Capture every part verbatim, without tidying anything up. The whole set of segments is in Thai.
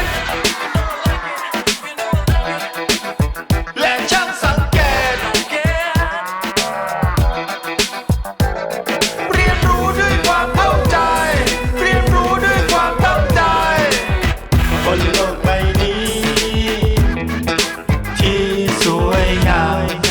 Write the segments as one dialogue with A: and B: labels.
A: และช่างสังเกตเรียนรู้ด้วยความเข้าใจเรียนรู้ด้วยความตั้งใจบนโลกใบนี้ที่สวยงาม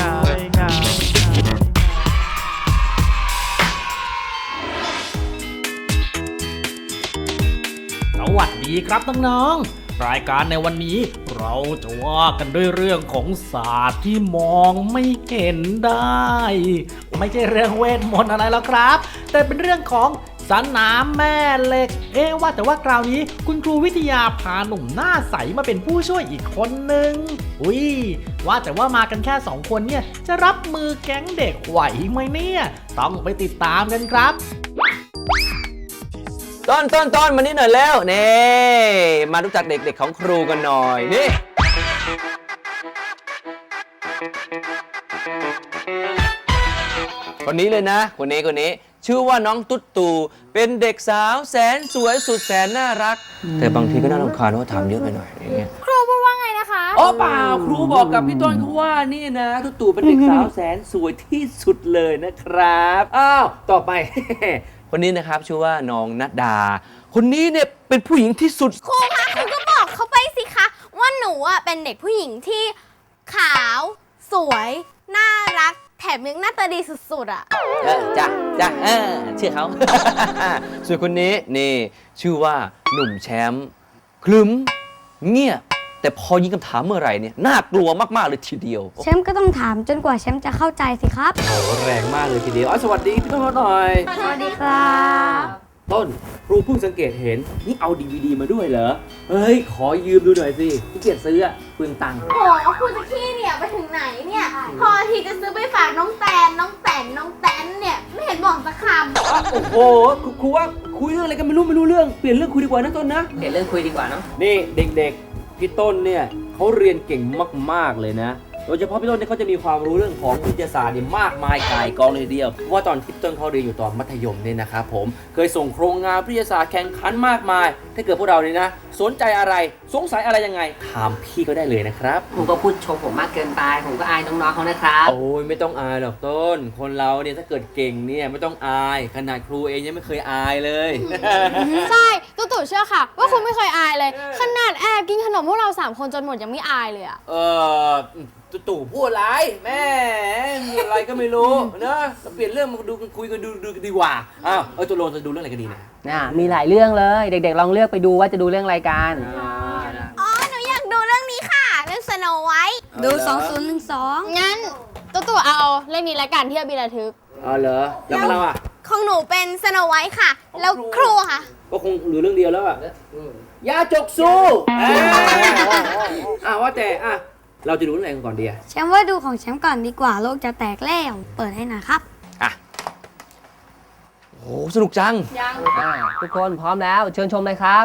B: สวัสดีครับน้องๆรายการในวันนี้เราจะว่ากันด้วยเรื่องของศาสตร์ที่มองไม่เห็นได้ ไม่ใช่เรื่องเวทมนต์อะไรแล้วครับแต่เป็นเรื่องของสนามแม่เหล็กเอ๊ะว่าแต่ว่าคราวนี้คุณครูวิทยาพาหนุ่มหน้าใสมาเป็นผู้ช่วยอีกคนนึงอุ้ยว่าแต่ว่ามากันแค่สองคนเนี่ยจะรับมือแก๊งเด็กไหวไหมเนี่ยต้องไปติดตามกันครับ
C: ต้นต้นต้นมานี่หน่อยแล้วนี่มารู้จักเด็กๆของครูกันหน่อยนี่คนนี้เลยนะคนนี้คนนี้ชื่อว่าน้องตุ๊ดตู่เป็นเด็กสาวแสนสวยสุดแสนน่ารักแต่บางทีก็น่ารำคาญว่าถามเยอะไปหน่อยอย่างเงี้ย
D: ครูพูดว่าไงนะคะ
C: อ๋อเปล่าครูบอกกับพี่ต้นเขาว่านี่นะตุ๊ดตู่เป็นเด็กสาวแสนสวยที่สุดเลยนะครับอ้าวต่อไป คนนี้นะครับชื่อว่าน้องณดาคนนี้เนี่ยเป็นผู้หญิงที่สุด
D: ครูคะครูก็บอกเขาไปสิคะว่าหนูอ่ะเป็นเด็กผู้หญิงที่ขาวสวยน่ารักแถมยังหน้าตาดีสุดๆอ่ะ
C: เออจ้ะจ้ะเออเชื่อเขา ส่วนคนนี้นี่ชื่อว่าหนุ่มแชมป์คลึ้มเงียบแต่พอยิงคำถามเมื่อไหร่เนี่ยน่ากลัวมากๆเลยทีเดียว
E: แชมป์ก็ต้องถามจนกว่าแชมป์จะเข้าใจสิครับ
C: โอ้แรงมากเลยทีเดียวอ๋อสวัสดีพี่ต้นหน่อย
E: สวัสดีครับ
C: ต้นครูเพิ่งสังเกตเห็นนี่เอาดีวีดีมาด้วยเหรอเฮ้ยขอยืมดูหน่อยสิพี่เกียรติซื้ออะเปลืองตังค์
D: โอ้ครูจะขี้เนี่ยไปถึงไหนเนี่ยพอทีจะซื้อไปฝากน้องแตนน้องแตนน้องแตนเนี่ยไม่เห็นบอกสักคำ
C: โอ้โหครูว่าคุยเรื่องอะไรกันไม่รู้ไม่รู้เรื่องเปลี่ยนเรื่องคุยดีกว่านะต้นนะ
F: เปลี่ยนเรื่องคุยดีกว่าเนาะ
C: นี่เด็กๆพี่ต้นเนี่ยเขาเรียนเก่งมากๆเลยนะโดยเฉพาะพี่ต้นเนี่ยเขาจะมีความรู้เรื่องของวิทยาศาสตร์เนี่ยมากมายก่ายกองเลยเดียวเพราะว่าตอนที่ต้นเขาเรียนอยู่ตอนมัธยมเนี่ยนะครับผมเคยส่งโครงงานวิทยาศาสตร์แข่งขันมากมายถ้าเกิดพวกเราเนี่ยนะสนใจอะไรสงสัยอะไรยังไงถามพี่ก็ได้เลยนะครับ
F: ผมก็พูดชมผมมากเกินไปผมก็อายน้องๆเขานะครับ
C: โอ้ยไม่ต้องอายหรอกต้นคนเราเนี่ยถ้าเกิดเก่งเนี่ยไม่ต้องอายขนาดครูเองยังไม่เคยอายเลย
D: ใช่ตุ๊ตู่เชื่อค่ะว่าคุณไม่เคยอายเลยขนาดแอบกินขนมพวกเราสามคนจนหมดยังไม่อายเลยอะ
C: เออตู่พูดอะไรแม่อะไรก็ไม่รู้นะเปลี่ยนเรื่องมาดูกันคุยกันดูดูกันดีกว่าอ้าวเออตัวโลนจะดูเรื่องอะไรกันดีนะ
F: น่ะมีหลายเรื่องเลยเด็กๆลองเลือกไปดูว่าจะดูเรื่องอะไรกัน
D: อ๋อหนูอยากดูเรื่องนี้ค่ะเรื่องสโนไวท์
E: ดูสองศูนย์หนึ่งสอง
D: งั้นตุ๊ตู่เอาเรื่องนี้ละกันที่อบิระทึก
C: อ๋อเหรอแล้วเราอ่ะ
D: ของหนูเป็นสโนไวท์ค่ะแล้วครูค่ะ
C: ก็คงเหลือเรื่องเดียวแล้วอ่ะยาจกสู้อ่าว่าแต่อ่ะเราจะดูเรื่องอะไรกันก่อนดีอะ
E: แชมป์ว่าดูของแชมป์ก่อนดีกว่าโลกจะแตกแล้วเปิดให้หน่อยครับ
C: อ่ะโอ้สนุกจัง
D: ยัง
F: ทุกคนพร้อมแล้วเชิญชมเลยครับ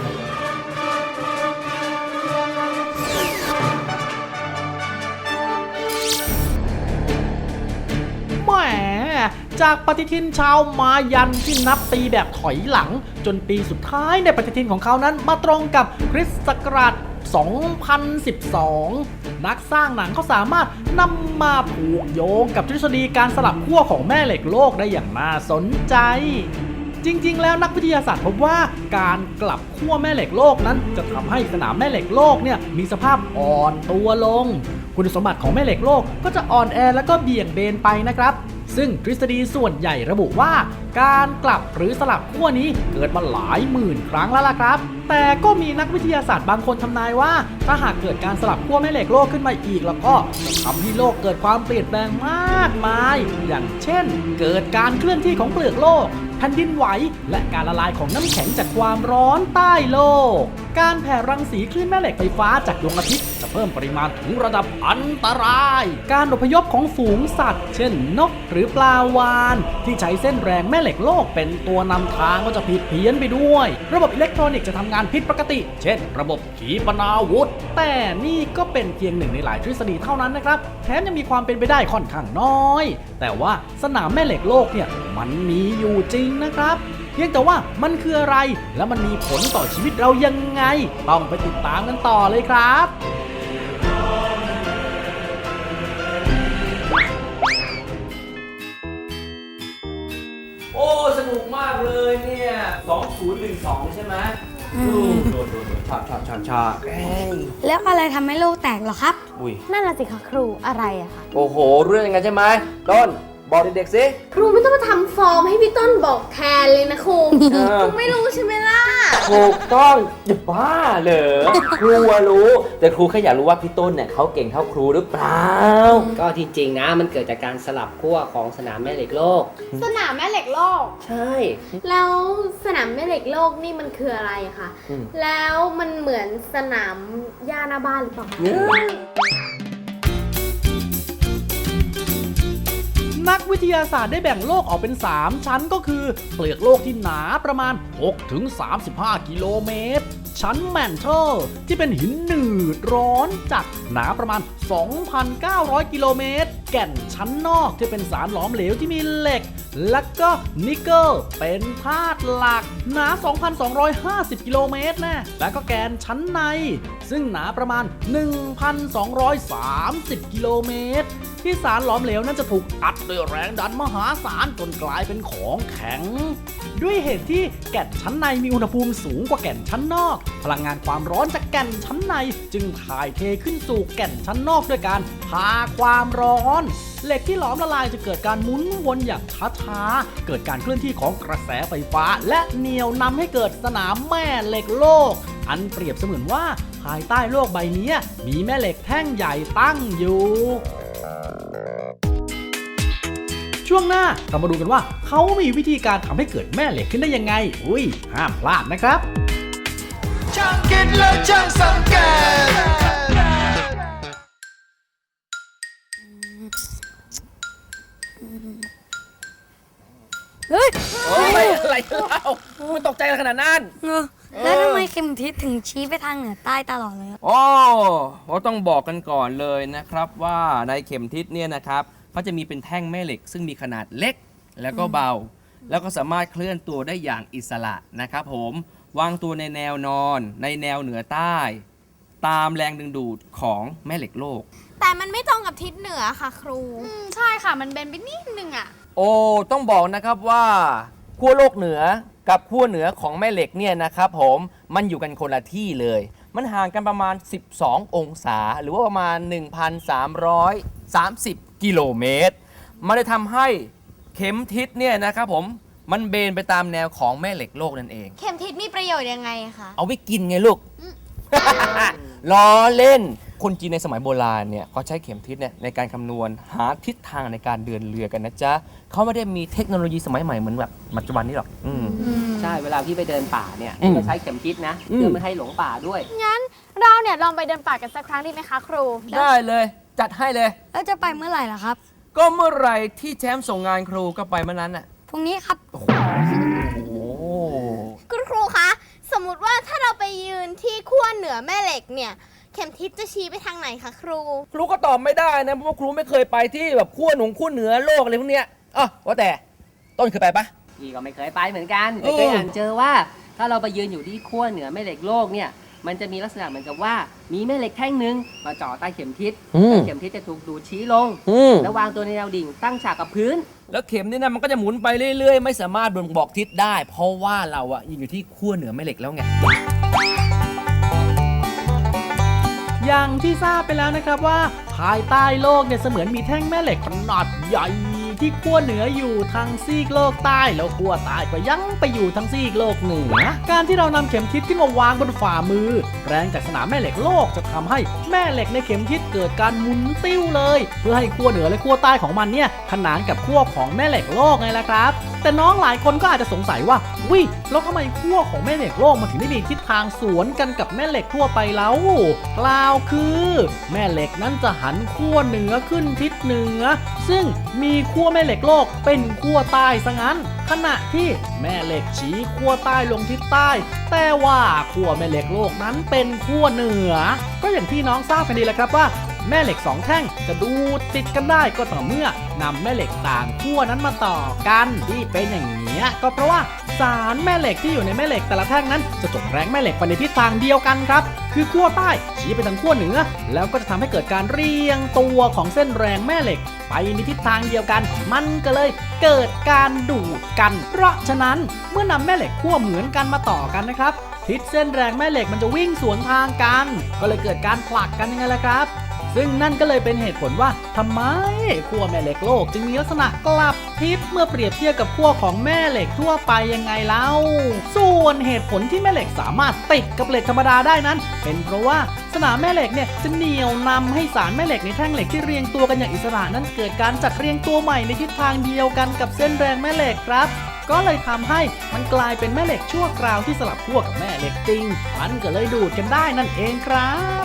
B: แหมจากปฏิทินชาวมายันที่นับปีแบบถอยหลังจนปีสุดท้ายในปฏิทินของเขานั้นมาตรงกับคริสต์ศักราชสองพันสิบสอง นักสร้างหนังเขาสามารถนำมาผูกโยงกับทฤษฎีการสลับขั้วของแม่เหล็กโลกได้อย่างน่าสนใจจริงๆแล้วนักวิทยาศาสตร์พบว่าการกลับขั้วแม่เหล็กโลกนั้นจะทำให้สนามแม่เหล็กโลกเนี่ยมีสภาพอ่อนตัวลงคุณสมบัติของแม่เหล็กโลกก็จะอ่อนแอแล้วก็เบี่ยงเบนไปนะครับซึ่งทฤษฎีส่วนใหญ่ระบุว่าการกลับหรือสลับขั้วนี้เกิดมาหลายหมื่นครั้งแล้วล่ะครับแต่ก็มีนักวิทยาศาสตร์บางคนทำนายว่าถ้าหากเกิดการสลับขั้วแม่เหล็กโลกขึ้นมาอีกแล้วก็จะทำให้โลกเกิดความเปลี่ยนแปลงมากมายอย่างเช่นเกิดการเคลื่อนที่ของเปลือกโลกแผ่นดินไหวและการละลายของน้ำแข็งจากความร้อนใต้โลกการแผ่รังสีคลื่นแม่เหล็กไฟฟ้าจากดวงอาทิตย์จะเพิ่มปริมาณถึงระดับอันตรายการอพยพของฝูงสัตว์เช่นนกหรือปลาวาฬที่ใช้เส้นแรงแม่เหล็กโลกเป็นตัวนำทางก็จะผิดเพี้ยนไปด้วยระบบอิเล็กทรอนิกส์จะทำงานผิดปกติเช่นระบบขีปนาวุธแต่นี่ก็เป็นเพียงหนึ่งในหลายทฤษฎีเท่านั้นนะครับแถมยังมีความเป็นไปได้ค่อนข้างน้อยแต่ว่าสนามแม่เหล็กโลกเนี่ยมันมีอยู่จริงนะครับพียงแต่ว่ามันคืออะไรและมันมีผลต่อชีวิตเรายังไงต้องไปติดตามกันต่อเลยครับ
C: โอ้สนุกมากเลยเนี่ยสองศูนย์หนึ่งสองใช่ไหมอืมโดดโดดโดดชาชาชาชาเอ้ย
E: แล้วอะไรทำให้โลกแตกเหรอครับ
C: อุ้ย
D: นั่นน่ะสิคะครูอะไรอะคะ
C: โอ้โหเรื่องยังไงใช่ไหมต้นบอกเด็กๆสิ
D: ครูไม่ต้องมาทำฟอร์มให้พี่ต้นบอกแทนเลยนะครู
C: เออ
D: ครูไม่รู้ใช่ไหมล่ะ
C: ถูกต้องจะบ้าเหรอครูอะรู้ แต่ครูแค่อยากรู้ว่าพี่ต้นเนี่ยเขาเก่งเท่าครูหรือเปล่า
F: ก็ที่จริงนะมันเกิดจากการสลับขั้วของสนามแม่เหล็กโลก
D: สนามแม่เหล็กโลก
F: ใช่
D: แล้วสนามแม่เหล็กโลกนี่มันคืออะไรอะคะ
C: อืม
D: แล้วมันเหมือนสนามหญ้าหน้าบ้านหรือเปล่าคะ
B: นักวิทยาศาสตร์ได้แบ่งโลกออกเป็น สาม ชั้นก็คือเปลือกโลกที่หนาประมาณ หกถึงสามสิบห้า กิโลเมตร ชั้นแมนเทลที่เป็นหินหนืดร้อนจัดหนาประมาณ สองพันเก้าร้อย กิโลเมตร แก่นชั้นนอกที่เป็นสารหลอมเหลวที่มีเหล็ก และก็นิกเกิลเป็นธาตุหลักหนา สองพันสองร้อยห้าสิบ กิโลเมตรนะและก็แกนชั้นในซึ่งหนาประมาณ หนึ่งพันสองร้อยสามสิบ กิโลเมตร ที่สารหลอมเหลวนั้นจะถูกอัดด้วยแรงดันมหาศาลจนกลายเป็นของแข็ง ด้วยเหตุที่แก่นชั้นในมีอุณหภูมิสูงกว่าแก่นชั้นนอกพลังงานความร้อนจากแก่นชั้นในจึงถ่ายเทขึ้นสู่แก่นชั้นนอกด้วยการพาความร้อนเหล็กที่หลอมละลายจะเกิดการหมุนวนอย่างช้าๆเกิดการเคลื่อนที่ของกระแสไฟฟ้าและเหนี่ยวนำให้เกิดสนามแม่เหล็กโลกอันเปรียบเสมือนว่าภายใต้โลกใบนี้มีแม่เหล็กแท่งใหญ่ตั้งอยู่ช่วงหน้าเรามาดูกันว่าเขามีวิธีการทำให้เกิดแม่เหล็กขึ้นได้ยังไงอุ้ยห้ามพลาดนะครับ
A: ช่างคิดและช่างสังเกต
E: เฮ้ย
F: โอ้ยอะไรเล่ามันตกใจขนาดนั้น
E: เออแล้วทำไมเข็มทิศถึงชี้ไปทางเหนือใต้ตลอดเลยอะ
C: โอ้เราต้องบอกกันก่อนเลยนะครับว่าในเข็มทิศเนี่ยนะครับเขาจะมีเป็นแท่งแม่เหล็กซึ่งมีขนาดเล็กแล้วก็เบา แล้วก็สามารถเคลื่อนตัวได้อย่างอิสระนะครับผมวางตัวในแนวนอนในแนวเหนือใต้ ตามแรงดึงดูดของแม่เหล็กโลก
D: แต่มันไม่ตรงกับทิศเหนือค่ะครู ใช่ค่ะ มันเบนไปนิดนึงอะ
C: โอ้ต้องบอกนะครับว่าขั้วโลกเหนือกับขั้วเหนือของแม่เหล็กเนี่ยนะครับผมมันอยู่กันคนละที่เลย มันห่างกันประมาณสิบสององศาหรือว่าประมาณ หนึ่งพันสามร้อยสามสิบ กิโลเมตรมันเลยทำให้เข็มทิศเนี่ยนะครับผมมันเบนไปตามแนวของแม่เหล็กโลกนั่นเอง
D: เข็มทิศมีประโยชน์ยังไงคะ
C: เอาไว้กินไงลูก ล้อเล่น คนจีนในสมัยโบราณเนี่ยเขาใช้เข็มทิศเนี่ยในการคำนวณหาทิศทางในการเดินเรือกันนะจ๊ะเขาไม่ได้มีเทคโนโลยีสมัยใหม่เหมือนแบบปัจจุบันนี้หรอกอืม
F: ใช่เวลาพี่ไปเดินป่าเนี่ย
C: อืม
F: พี่ก็ใช้เข็มทิศนะ
C: อืม
F: เพื่อไม่ให้หลงป่าด้วย
D: งั้นเราเนี่ยลองไปเดินป่ากันสักครั้งดีไหมคะครู
C: ได้เลยจัดให้เลย
E: แล้วจะไปเมื่อไหร่ล่ะครับ
C: ก็เมื่อไหร่ที่แชมป์ส่งงานครูก็ไปเมื่อนั้นน่ะ
E: พรุ่งนี้ครับ
C: โอ้โห
D: คุณครูคะ สมมติว่าถ้าเราไปยืนที่ขั้วเหนือแม่เหล็กเนี่ย เข็มทิศจะชี้ไปทางไหนคะครู
C: ครูก็ตอบไม่ได้นะเพราะว่าครูไม่เคยไปที่แบบขั้วหนุงขั้วเหนือโลกอะไรพวกเนี้ยอ๋อว่าแต่ต้นเคยไปปะ
F: พี่ก็ไม่เคยไปเหมือนกัน
C: เอ
F: แต่
C: อ
F: เคยอ่านเจอว่าถ้าเราไปยืนอยู่ที่ขั้วเหนือแม่เหล็กโลกเนี่ยมันจะมีลักษณะเหมือนกับว่ามีแม่เหล็กแท่งหนึ่งมาจ่อใต้เข็มทิศแล้วเข็มทิศจะถูกดูดชี้ลง
C: อืม
F: แล้ววางตัวในแนวดิ่งตั้งฉากกับพื้น
C: แล้วเข็มนี่นะมันก็จะหมุนไปเรื่อยๆ ไม่สามารถบ่งบอกทิศได้ เพราะว่าเราอะยืนอยู่ที่ขั้วเหนือแม่เหล็กแล้วไง
B: อย่างที่ทราบไปแล้วนะครับว่าภายใต้โลกเนี่ยเสมือนมีแท่งแม่เหล็กขนาดใหญ่ที่ขั้วเหนืออยู่ทางซีกโลกใต้แล้วขั้วใต้ก็ยังไปอยู่ทางซีกโลกเหนือการที่เรานำเข็มทิศขึ้นมาวางบนฝ่ามือแรงจากสนามแม่เหล็กโลกจะทำให้แม่เหล็กในเข็มทิศเกิดการหมุนติ้วเลยเพื่อให้ขั้วเหนือและขั้วใต้ของมันเนี่ยขนานกับขั้วของแม่เหล็กโลกไงล่ะครับแต่น้องหลายคนก็อาจจะสงสัยว่าวิแล้วทำไมขั้วของแม่เหล็กโลกมันถึงได้มีทิศทางสวนกันกับแม่เหล็กทั่วไปแล้วกล่าวคือแม่เหล็กนั้นจะหันขั้วเหนือขึ้นทิศเหนือซึ่งมีขั้วแม่เหล็กโลกเป็นขั้วใต้ซะงั้นขณะที่แม่เหล็กชี้ขั้วใต้ลงทิศใต้แต่ว่าขั้วแม่เหล็กโลกนั้นเป็นขั้วเหนือก็อย่างที่น้องทราบกันดีแหละครับว่าแม่เหล็กสองแท่งจะดูติดกันได้ก็ต่อเมื่อนำแม่เหล็กต่างขั้วนั้นมาต่อกันที่เป็นอย่างนี้ก็เพราะว่าสารแม่เหล็กที่อยู่ในแม่เหล็กแต่ละแท่งนั้นจะส่งแรงแม่เหล็กไปในทิศทางเดียวกันครับคือขั้วใต้ชี้ไปทางขั้วเหนือแล้วก็จะทำให้เกิดการเรียงตัวของเส้นแรงแม่เหล็กไปในทิศทางเดียวกันมันก็เลยเกิดการดูดกันเพราะฉะนั้นเมื่อนำแม่เหล็กขั้วเหมือนกันมาต่อกันนะครับทิศเส้นแรงแม่เหล็กมันจะวิ่งสวนทางกันก็เลยเกิดการผลักกันยังไงล่ะครับซึ่งนั่นก็เลยเป็นเหตุผลว่าทำไมขั้วแม่เหล็กโลกจึงมีลักษณะกลับทิศเมื่อเปรียบเทียบกับขั้วของแม่เหล็กทั่วไปยังไงเล่าส่วนเหตุผลที่แม่เหล็กสามารถติดกับเหล็กธรรมดาได้นั้นเป็นเพราะว่าสนามแม่เหล็กเนี่ยจะเหนี่ยวนำให้สารแม่เหล็กในแท่งเหล็กที่เรียงตัวกันอย่างอิสระนั้นเกิดการจัดเรียงตัวใหม่ในทิศทางเดียวกันกับเส้นแรงแม่เหล็กครับก็เลยทำให้มันกลายเป็นแม่เหล็กชั่วคราวที่สลับขั้วกับแม่เหล็กจริงมันก็เลยดูดกันได้นั่นเองครับ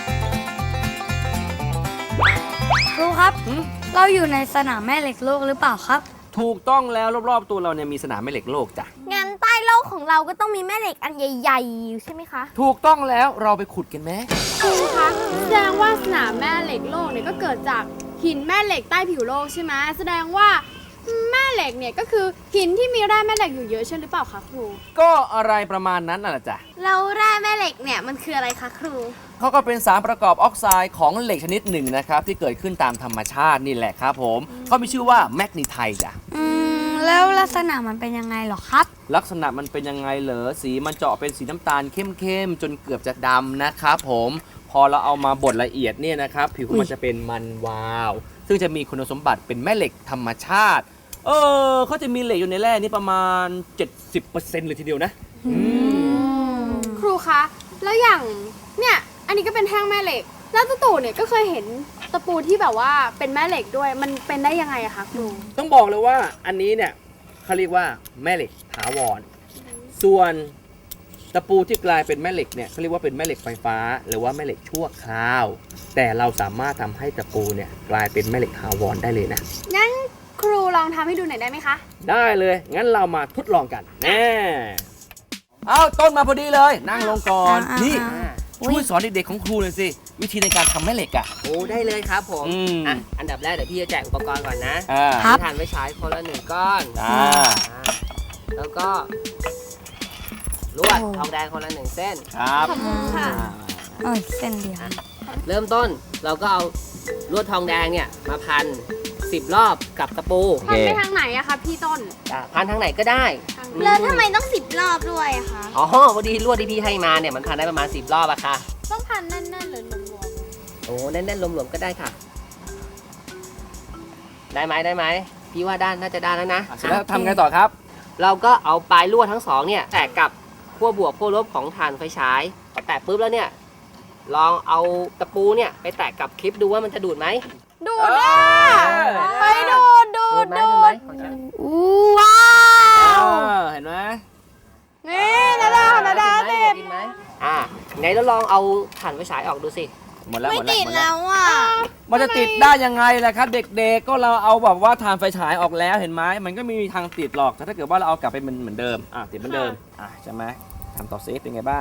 E: ครูครับ เราอยู่ในสนามแม่เหล็กโลกหรือเปล่าครับ
C: ถูกต้องแล้วรอบๆตัวเราเนี่ยมีสนามแม่เหล็กโลกจ้ะ
D: งั้นใต้โลกของเราก็ต้องมีแม่เหล็กอันใหญ่ๆอยู่ใช่ไหมคะ
C: ถูกต้องแล้วเราไปขุดกันไหม
G: ครูคะแสดงว่าสนามแม่เหล็กโลกเนี่ยก็เกิดจากหินแม่เหล็กใต้ผิวโลกใช่ไหมแสดงว่าแม่เหล็กเนี่ยก็คือหินที่มีแร่แม่เหล็กอยู่เยอะใช่หรือเปล่าคะครู
C: ก็อะไรประมาณนั้นน่ะจ้ะ
D: แล้วแร่แม่เหล็กเนี่ยมันคืออะไรคะครู
C: เขาก็เป็นสารประกอบออกไซด์ของเหล็กชนิดหนึ่งนะครับที่เกิดขึ้นตามธรรมชาตินี่แหละครับผมเขามีชื่อว่าแมกนีไทต์จ้ะ
E: อืม แล้วลักษณะมันเป็นยังไงหรอครับ
C: ลักษณะมันเป็นยังไงเหรอสีมันเจาะเป็นสีน้ำตาลเข้มๆจนเกือบจะดำนะครับผมพอเราเอามาบดละเอียดเนี่ยนะครับผิวของมันจะเป็นมันวาวซึ่งจะมีคุณสมบัติเป็นแม่เหล็กธรรมชาติเออเขาจะมีเหล็กอยู่ในแร่นี้ประมาณ เจ็ดสิบเปอร์เซ็นต์ เลยทีเดียวนะ
G: ครูคะแล้วอย่างเนี่ยอันนี้ก็เป็นแท่งแม่เหล็กแล้วตู่เนี่ยก็เคยเห็นตะปูที่แบบว่าเป็นแม่เหล็กด้วยมันเป็นได้ยังไงอะคะครู
C: ต้องบอกเลยว่าอันนี้เนี่ยเขาเรียกว่าแม่เหล็กถาวรส่วนตะปูที่กลายเป็นแม่เหล็กเนี่ยเขาเรียกว่าเป็นแม่เหล็กไฟฟ้าหรือว่าแม่เหล็กชั่วคราวแต่เราสามารถทำให้ตะปูเนี่ยกลายเป็นแม่เหล็กถาวรได้เลยนะ
G: งั้นครูลองทำให้ดูหน่อยได้ไหมคะ
C: ได้เลยงั้นเรามาทดลองกันแน่เอาต้นมาพอดีเลยนั่งลงก่อน
E: อ่านี่
C: นี่ช่วยสอนเด็กๆของครูหน่อยสิวิธีในการทำแม่เหล็กอ่ะ
F: โอ้ได้เลยครับผม
C: อืม
F: อ่ะอันดับแรกเดี๋ยวพี่จะแจกอุปกรณ์ก่อนนะ
C: อ่า
E: ครับ
F: ทานไว้ใช้คนละหนึ่งก้อน
C: อ่า
F: อ่าแล้วก็ลวดทองแดงคนละหนึ่งเส้น
C: ครับ
G: ขอบคุณค่ะ
E: โอ้ยเส้นเดียว
F: เริ่มต้นเราก็เอาลวดทองแดงเนี่ยมาพันสิบรอบกับตะปู
G: พันไปทางไหนอะคะพี่ต้น
F: อ่ะพันทางไหนก็ได้
G: ทาง
D: แล้วทำไมต้องสิบรอบด้วยอะคะ
F: อ๋อพอดีลวดที่พี่ให้มาเนี่ยมันพันได้ประมาณสิบรอบอะค่ะ
G: ต้องพันแน่นๆหรือหลวม
F: โอ้แน่นๆรวมๆก็ได้ค่ะ ได้ไหมได้ไหมพี่ว่าด้านน่าจะได้แล้วนะ
C: เสร็จแล้วทำไงต่อครับ
F: เราก็เอาปลายลวดทั้งสองเนี่ยแตะกับขั้วบวกขั้วลบของถ่านไฟฉายพอแตะปุ๊บแล้วเนี่ยลองเอาตะปูเนี่ยไปแตะกับคลิปดูว่ามันจะดูดไหม
G: ๆดูดอ่ะไปดูดดู
F: ดู
G: ด
F: ดไหม
G: ดู
F: ดูดไหม
G: ด
F: ของฉัน
E: อู้ว้าว
C: เห็นไหม
G: นี่นาดานาดา
F: ติ
G: ติ
F: ด
G: ด
F: ไหมอ่าไงแล้วลองเอาถ่านไฟฉายออกดูสิ
C: หมดแล้ว
D: ไม่
C: หมดแล้ว
D: ติด
C: หมดแล้
D: แล้ว วอ่ะ
C: มันจะติดได้ยังไงล่ะครับ เด็กๆก็เราเอาแบบว่าทานไฟฉายออกแล้วเห็นไหมมันก็ไมมีทางติดหรอกแต่ถ้าเกิดว่าเราเอากลับไปเหมือนเดิมอ่ะติดเหมือนเดิมอ่ะใช่ไหมทำต่อเซฟเป็นไงบ้าง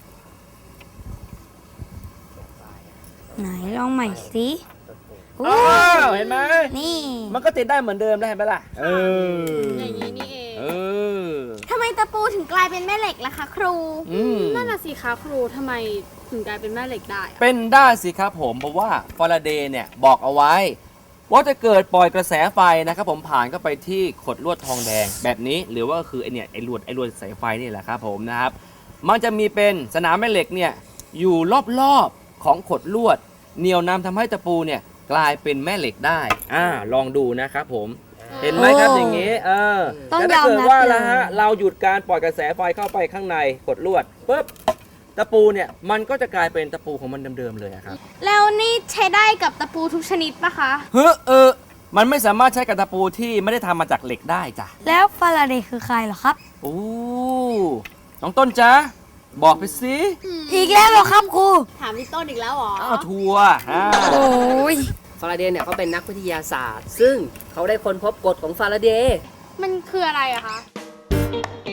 E: ไหนลองใหม่สิอู้
C: อ้าวเห็นไหม
E: นี่
C: มันก็ติดได้เหมือนเดิมได้เห็นไหมล่ะเออ
G: อย่างนี้นี่เอง
C: เออ
D: ทำไมตะปูถึงกลายเป็นแม่เหล็กล่ะคะครู
C: อืม
G: นั่นน่ะสิคะครูทำไมถึงกลายเป็นแม่เหล็กได้อะ
C: เป็นได้สิครับผมเพราะว่าฟาราเดย์เนี่ยบอกเอาไว้ ว่าจะเกิดปล่อยกระแสไฟนะครับผมผ่านเข้าไปที่ขดลวดทองแดงแบบนี้หรือว่าคือไอเนี่ยไอลวดไอลวดสายไฟนี่แหละครับผมนะครับมันจะมีเป็นสนามแม่เหล็กเนี่ยอยู่รอบๆของขดลวดเหนี่ยวนำทำให้ตะปูเนี่ยกลายเป็นแม่เหล็กได้อ่าลองดูนะครับผมเห็นไหมครับอย่างนี้เออ
E: ต้อง
C: แต่
E: ย
C: ถ้า
E: อม
C: เกิด
E: รับ
C: ว่า
E: เล
C: ละ
E: ย
C: ฮะเราหยุดการปล่อยกระแสไฟเข้าไปข้างในขดลวดปุ๊บตะปูเนี่ยมันก็จะกลายเป็นตะปูของมันเดิมๆเลยอะครับ
D: แล้วนี่ใช้ได้กับตะปูทุกชนิดปะคะ
C: เฮ้อเออ มันไม่สามารถใช้กับตะปูที่ไม่ได้ทำมาจากเหล็กได้จ้ะ
E: แล้วฟาราเดย์คือใครเหรอครับ
C: โอ้น้องต้นจ๊ะ บอกไปสิ
E: อีกแล้วเหรอครับครู
G: ถามพี่ต้นอีกแล้วเหรอ
C: อ้าวทัวร์อ่า
E: โอ้ย
F: ฟาราเดย์เนี่ยเขาเป็นนักวิทยาศาสตร์ ซึ่งเขาได้ค้นพบกฎของฟาราเดย์
G: มันคืออะไรอะคะ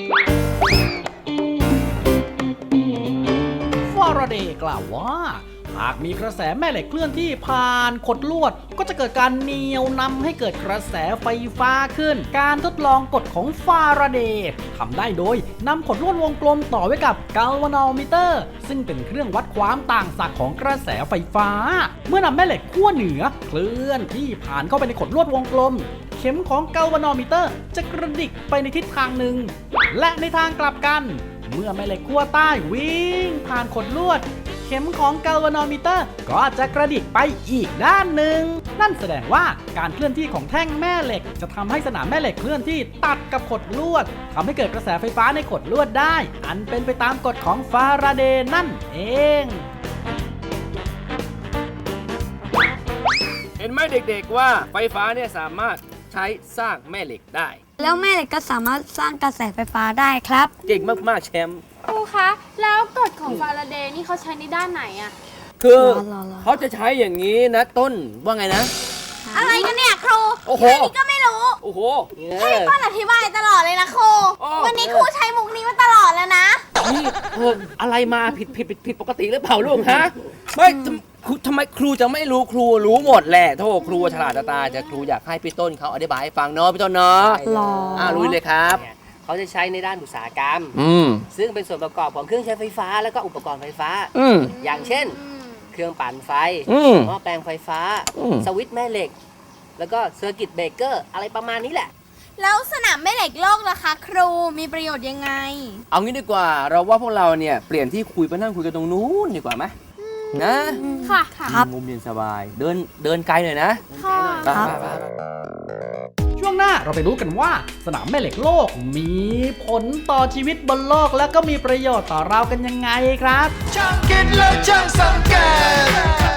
B: ฟาราเดย์กล่าวว่าหากมีกระแสแม่เหล็กเคลื่อนที่ผ่านขดลวดก็จะเกิดการเหนี่ยวนำให้เกิดกระแสไฟฟ้าขึ้นการทดลองกฎของฟาราเดย์ทำได้โดยนำขดลวดวงกลมต่อไว้กับกัลวานอมิเตอร์ซึ่งเป็นเครื่องวัดความต่างศักย์ของกระแสไฟฟ้าเมื่อนำแม่เหล็กขั้วเหนือเคลื่อนที่ผ่านเข้าไปในขดลวดวงกลมเข็มของกัลวานอมิเตอร์จะกระดิกไปในทิศทางหนึ่งและในทางกลับกันเมื่อแม่เหล็กขั้วใต้วิ่งผ่านขดลวดเข็มของกัลวานอมิเตอร์ก็จะกระดิกไปอีกด้านหนึ่งนั่นแสดงว่าการเคลื่อนที่ของแท่งแม่เหล็กจะทำให้สนามแม่เหล็กเคลื่อนที่ตัดกับขดลวดทำให้เกิดกระแสไฟฟ้าในขดลวดได้อันเป็นไปตามกฎของฟาราเดย์นั่นเอง
C: เห็นไหมเด็กๆว่าไฟฟ้าเนี่ยสามารถใช้สร้างแม่เหล็กได้
E: แล้วแม่เหล็กก็สามารถสร้างกระแสไฟฟ้าได้ครับ
C: เก่งมากๆแชมป์
G: ครูคะ แล้วกฎของฟาราเดย์นี่เขาใช้ในด้านไหนอะ
C: คือ
E: รอๆๆ
C: เขาจะใช้อย่างนี้นะต้นว่าไงนะ
D: อะไรกันเนี่ยครู
C: โอ้โห
D: แค่นี้ก็ไม่รู้
C: โอ้โห
D: ให้ป้อนอธิบายตลอดเลยนะครู
C: โอ้
D: วันนี้ครูใช้มุกนี้มาตลอดแล้วนะ
C: นี่เอออะไรมาผิดผิดผิดผิดปกติหรือเปล่าลูกฮะไม่ครูทำไมครูจะไม่รู้ครูรู้หมดแหละโธ่ครูฉลาดจะตายจะครูอยากให้พี่ต้นเขาอธิบายให้ฟังเนาะพี่ต้นเนาะ
E: รอ
C: อ่าลุยเลยครับ
F: เนี่ยเขาจะใช้ในด้านอุตสาหกรรม
C: อืม
F: ซึ่งเป็นส่วนประกอบของเครื่องใช้ไฟฟ้าแล้วก็อุปกรณ์ไฟฟ้า
C: อืม
F: อย่างเช่น เครื่องปั่นไฟ
C: อืม
F: หม้อแปลงไฟฟ้า
C: อืม
F: สวิตช์แม่เหล็ก แล้วก็เซอร์กิตเบรกเกอร์อะไรประมาณนี้แหละ
D: แล้วสนามแม่เหล็กโลกล่ะคะ ครูมีประโยชน์ยังไง
C: เอางี้ดีกว่าเราว่าพวกเราเนี่ยเปลี่ยนที่คุยไปนั่งคุยกันตรงนู้นดีกว่าไหมนะ
G: ค่ะค่ะ
E: ครับ
C: มุมเย็นสบาย เดินเดินไกลหน่อยนะ
G: ค่ะ
E: ครับ
C: ไปไปไป
B: ช่วงหน้าเราไปรู้กันว่าสนามแม่เหล็กโลกมีผลต่อชีวิตบนโลกและก็มีประโยชน์ต่อเรากันยังไงครับ
A: ช่างคิดและช่างสังเกต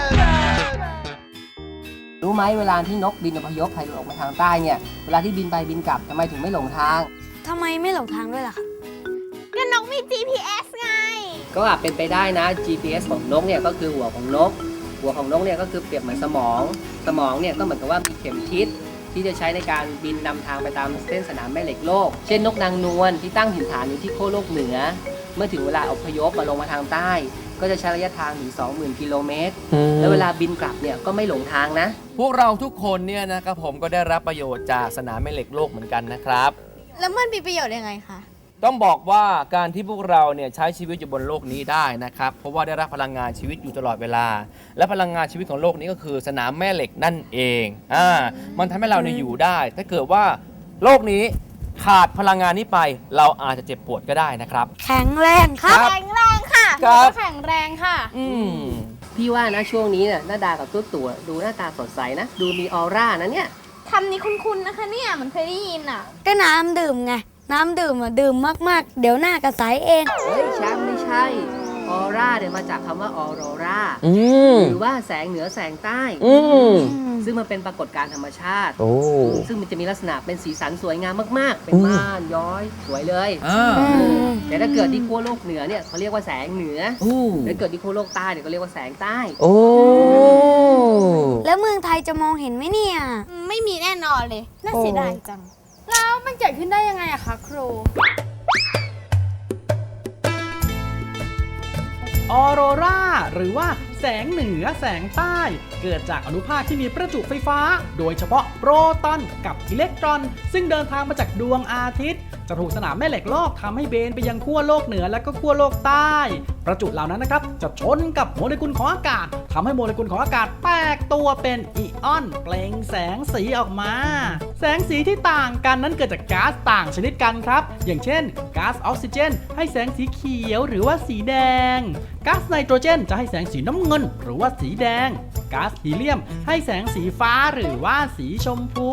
F: รู้ไหมเวลาที่นกบินอพยพไทยออกมาทางใต้เนี่ย เวลาที่บินไปบินกลับทำไมถึงไม่หลงทาง
E: ทำไมไม่หลงทางด้วยล่ะครับ
D: ก็นกมี จี พี เอส ไง
F: ก็อาจเป็นไปได้นะ จี พี เอส ของนกเนี่ยก็คือหัวของนก หัวของนกเนี่ยก็คือเปรียบเหมือนสมอง สมองเนี่ยก็เหมือนกับว่ามีเข็มทิศที่จะใช้ในการบินนำทางไปตามเส้นสนามแม่เหล็กโลก เช่นนกนางนวลที่ตั้งถิ่นฐานอยู่ที่ขั้วโลกเหนือ เมื่อถึงเวลาอพยพมาลงมาทางใต้ ก็จะใช้ระยะทางถึง สองหมื่น กิโลเมตร แล้วเวลาบินกลับเนี่ยก็ไม่หลงทางนะ
C: พวกเราทุกคนเนี่ยนะครับผมก็ได้รับประโยชน์จากสนามแม่เหล็กโลกเหมือนกันนะครับ
D: แล้วมันมีประโยชน์ยังไงคะ
C: ต้องบอกว่าการที่พวกเราเนี่ยใช้ชีวิตอยู่บนโลกนี้ได้นะครับเพราะว่าได้รับพลังงานชีวิตอยู่ตลอดเวลา และพลังงานชีวิตของโลกนี้ก็คือสนามแม่เหล็กนั่นเองอ่ามันทำให้เราเนี่ยอยู่ได้ ถ้าเกิดว่าโลกนี้ขาดพลังงานนี้ไป เราอาจจะเจ็บปวดก็ได้นะครับ
E: แข็งแรงครับ
D: แข็งแรงค่ะ
C: ครับ
G: แข็งแรงค่ะ
C: อืม
F: พี่ว่านะช่วงนี้เนี่ยหน้าดากับตัวตัวดูหน้าตาสดใสนะ ดูมีออร่านะเนี่ย
D: คำนี้คุ้นๆนะคะเนี่ยเหมันเคยได้ยินอ่ะ
E: ก็น้ำดื่มไง น้ำดื่มอ่ะดื่มมากๆ เดี๋ยวหน้ากระใสเอง
F: เฮ้ยแชมป์ไม่ใช่ออร่าเนี่ยมาจากคำว่าออโรรา
C: อืม
F: หรือว่าแสงเหนือแสงใต้
C: อืม
F: ซึ่งมันเป็นปรากฏการณ์ธรรมชาติ
C: โอ้
F: ซึ่งมันจะมีลักษณะเป็นสีสันสวยงามมากๆ เป็นม่านย้อยสวยเลย
C: อ่า
E: ม
F: แต่ถ้าเกิดที่ขั้วโลกเหนือเนี่ยเขาเรียกว่าแสงเหนือ
C: โอ้
F: ถ้าเกิดที่ขั้วโลกใต้เนี่ยก็เรียกว่าแสงใต้
C: โอ้
E: แล้วเมืองไทยจะมองเห็นไหมเนี่ย
D: ไม่มีแน่นอนเลย น่าเสียดายจัง
G: แล้วมันเกิดขึ้นได้ยังไงอะคะครู
B: ออโรราหรือว่าแสงเหนือแสงใต้ เกิดจากอนุภาคที่มีประจุไฟฟ้า โดยเฉพาะโปรตอนกับอิเล็กตรอน ซึ่งเดินทางมาจากดวงอาทิตย์ จะถูกสนามแม่เหล็กโลกทำให้เบนไปยังขั้วโลกเหนือและก็ขั้วโลกใต้ ประจุเหล่านั้นนะครับจะชนกับโมเลกุลของอากาศทำให้โมเลกุลของอากาศแตกตัวเป็นอิออนเปล่งแสงสีออกมา แสงสีที่ต่างกันนั้นเกิดจากก๊าซต่างชนิดกันครับ อย่างเช่นก๊าซออกซิเจนให้แสงสีเขียวหรือว่าสีแดงก๊าซไนโตรเจนจะให้แสงสีน้ำเงินหรือว่าสีแดงก๊าซฮีเลียมให้แสงสีฟ้าหรือว่าสีชมพู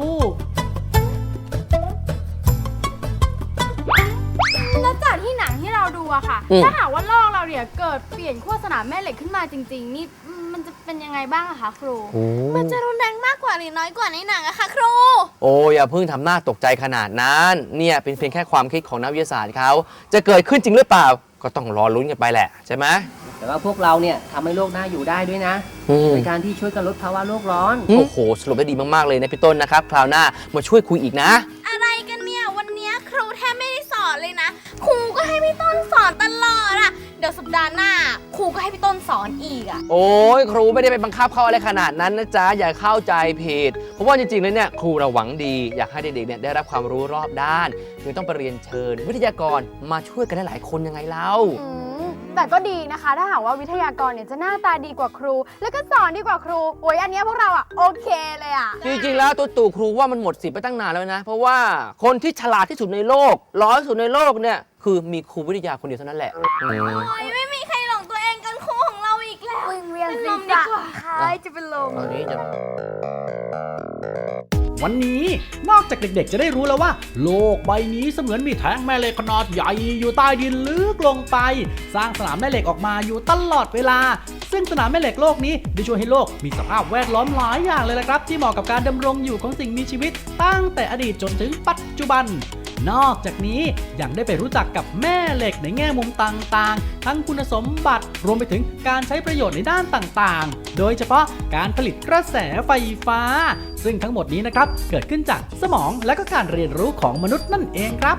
G: แล้วจากที่หนังที่เราดูอะค่ะ
C: อืม
G: ถ้าหากว่าโลกเราเนี่ยเกิดเปลี่ยนขั้วสนามแม่เหล็กขึ้นมาจริง ๆ นี่มันจะเป็นยังไงบ้างอะคะครู
D: มันจะรุนแรงมากกว่าหรือน้อยกว่าในหนังอะคะครู
H: โอ้อย่าเพิ่งทำหน้าตกใจขนาดนั้น เนี่ยเป็นเพียงแค่ความคิดของนักวิทยาศาสตร์เขาจะเกิดขึ้นจริงหรือเปล่า ก็ต้องรอลุ้นกันไปแหละใช่ไหม
F: แต่ว่าพวกเราเนี่ยทำให้โลกน่าอยู่ได้ด้วยนะ
H: อืม
F: ในการที่ช่วยกันลดภาวะโลกร้อน
H: โอ้โหสรุปได้ดีมาก ๆ เลยนะพี่ต้นนะครับ คราวหน้ามาช่วยคุยอีกนะ
D: อะไรกันเนี่ย วันเนี้ยครูแทบไม่ได้สอนเลยนะ ครูก็ให้พี่ต้นสอนตลอดอะเดี๋ยวสัปดาห์หน้าครูก็ให้พี่ต้นสอนอีกอะ
H: โอ้ยครูไม่ได้ไปบังคับเขาอะไรขนาดนั้นนะจ๊ะอย่าเข้าใจผิดเพราะว่าจริงๆแล้วเนี่ยครูเราหวังดีอยากให้เด็กๆเนี่ยได้รับความรู้รอบด้านจึงต้องไปเรียนเชิญวิทยากรมาช่วยกันหลายๆคนยังไงเล่า
G: อืมแต่ก็ดีนะคะ ถ้าหากว่าวิทยากรเนี่ยจะหน้าตาดีกว่าครู แล้วก็สอนดีกว่าครูโอ้ยอันเนี้ยพวกเราอ่ะโอเคเลยอ่ะ
H: จริงๆแล้วตัวตู่ครูว่ามันหมดสิทธิ์ไปตั้งนานแล้วนะ เพราะว่าคนที่ฉลาดที่สุดในโลกร้อยที่สุดในโลกเนี่ยคือมีครูวิทยาคนเดียวเท่านั้นแหละอืม
D: โอ้ยไม่มีใครหลงตัวเองกันครูของเราอีกแล้ว
E: วิ่งเวียน
D: เป็น
E: ศี
D: ล
E: ร
D: มดี
E: ษะ
D: กว่า
E: คล้ายจะเป็นลม
H: ตอนนี้จะ
B: วันนี้นอกจากเด็กๆจะได้รู้แล้วว่า โลกใบนี้เสมือนมีแท่งแม่เหล็กขนาดใหญ่อยู่ใต้ดินลึกลงไป สร้างสนามแม่เหล็กออกมาอยู่ตลอดเวลา ซึ่งสนามแม่เหล็กโลกนี้ได้ช่วยให้โลกมีสภาพแวดล้อมหลายอย่างเลยละครับ ที่เหมาะกับการดำรงอยู่ของสิ่งมีชีวิตตั้งแต่อดีตจนถึงปัจจุบัน นอกจากนี้ยังได้ไปรู้จักกับแม่เหล็กในแง่มุมต่างๆ ทั้งคุณสมบัติรวมไปถึงการใช้ประโยชน์ในด้านต่างๆ โดยเฉพาะการผลิตกระแสไฟฟ้า ซึ่งทั้งหมดนี้นะครับเกิดขึ้นจากสมองและก็การเรียนรู้ของมนุษย์นั่นเองครับ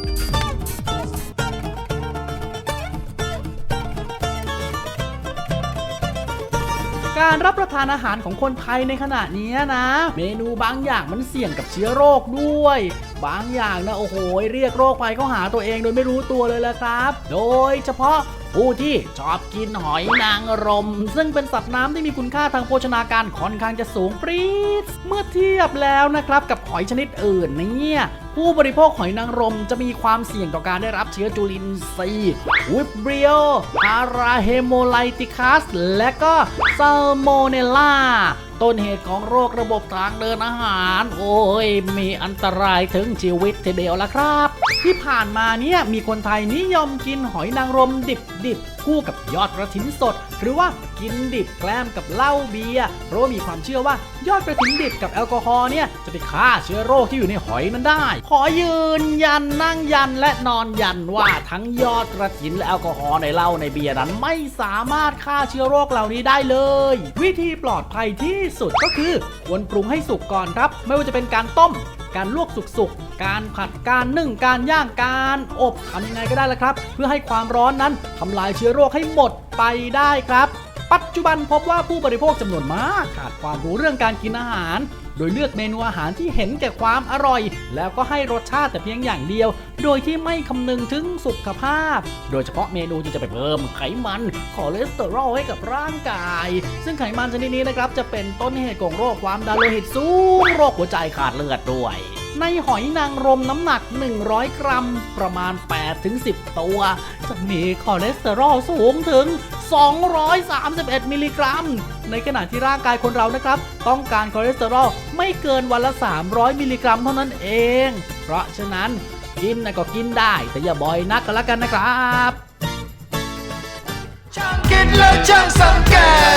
B: การรับประทานอาหารของคนไทยในขณะนี้นะ เมนูบางอย่างมันเสี่ยงกับเชื้อโรคด้วย บางอย่างนะโอ้โหเรียกโรคภัยเข้าหาตัวเองโดยไม่รู้ตัวเลยละครับ โดยเฉพาะผู้ที่ชอบกินหอยนางรมซึ่งเป็นสัตว์น้ำที่มีคุณค่าทางโภชนาการค่อนข้างจะสูงปรี๊ดเมื่อเทียบแล้วนะครับกับหอยชนิดอื่นเนี่ยผู้บริโภคหอยนางรมจะมีความเสี่ยงต่อการได้รับเชื้อจุลินทรีย์วิบริโอพาราเฮโมไลติคัสและก็ซัลโมเนลลาต้นเหตุของโรคระบบทางเดินอาหารโอ้ยมีอันตรายถึงชีวิตทีเดียวละครับ ที่ผ่านมาเนี่ยมีคนไทยนิยมกินหอยนางรมดิบๆคู่กับยอดกระถินสดหรือว่ากินดิบแกล้มกับเหล้าเบียร์เพราะมีความเชื่อว่ายอดกระถินดิบกับแอลกอฮอล์เนี่ยจะไปฆ่าเชื้อโรคที่อยู่ในหอยนั้นได้ขอยืนยันนั่งยันและนอนยันว่าทั้งยอดกระถินและแอลกอฮอล์ในเหล้าในเบียร์นั้นไม่สามารถฆ่าเชื้อโรคเหล่านี้ได้เลยวิธีปลอดภัยที่สุดก็คือควรปรุงให้สุกก่อนครับไม่ว่าจะเป็นการต้มการลวกสุกๆการผัดการนึ่งการย่างการอบทำยังไงก็ได้ละครับเพื่อให้ความร้อนนั้นทำลายเชื้อโรคให้หมดไปได้ครับปัจจุบันพบว่าผู้บริโภคจำนวนมากขาดความรู้เรื่องการกินอาหารโดยเลือกเมนูอาหารที่เห็นแก่ความอร่อยแล้วก็ให้รสชาติแต่เพียงอย่างเดียวโดยที่ไม่คำนึงถึงสุขภาพโดยเฉพาะเมนูที่จะไปเพิ่มไขมันคอเลสเตอรอลให้กับร่างกายซึ่งไขมันชนิดนี้นะครับจะเป็นต้นเหตุของโรคความดันโลหิตสูงโรคหัวใจขาดเลือดด้วยในหอยนางรมน้ำหนักหนึ่งร้อยกรัมประมาณ แปดถึงสิบ ตัวจะมีคอเลสเตอรอลสูงถึงสองร้อยสามสิบเอ็ดมิลลิกรัมในขณะที่ร่างกายคนเรานะครับต้องการคอเลสเตอรอลไม่เกินวันละสามร้อยมิลลิกรัมเท่านั้นเองเพราะฉะนั้นกินนะก็กินได้แต่อย่าบ่อยนักก็แล้วกันนะครับ
A: ช่างคิดและช่างสังเกต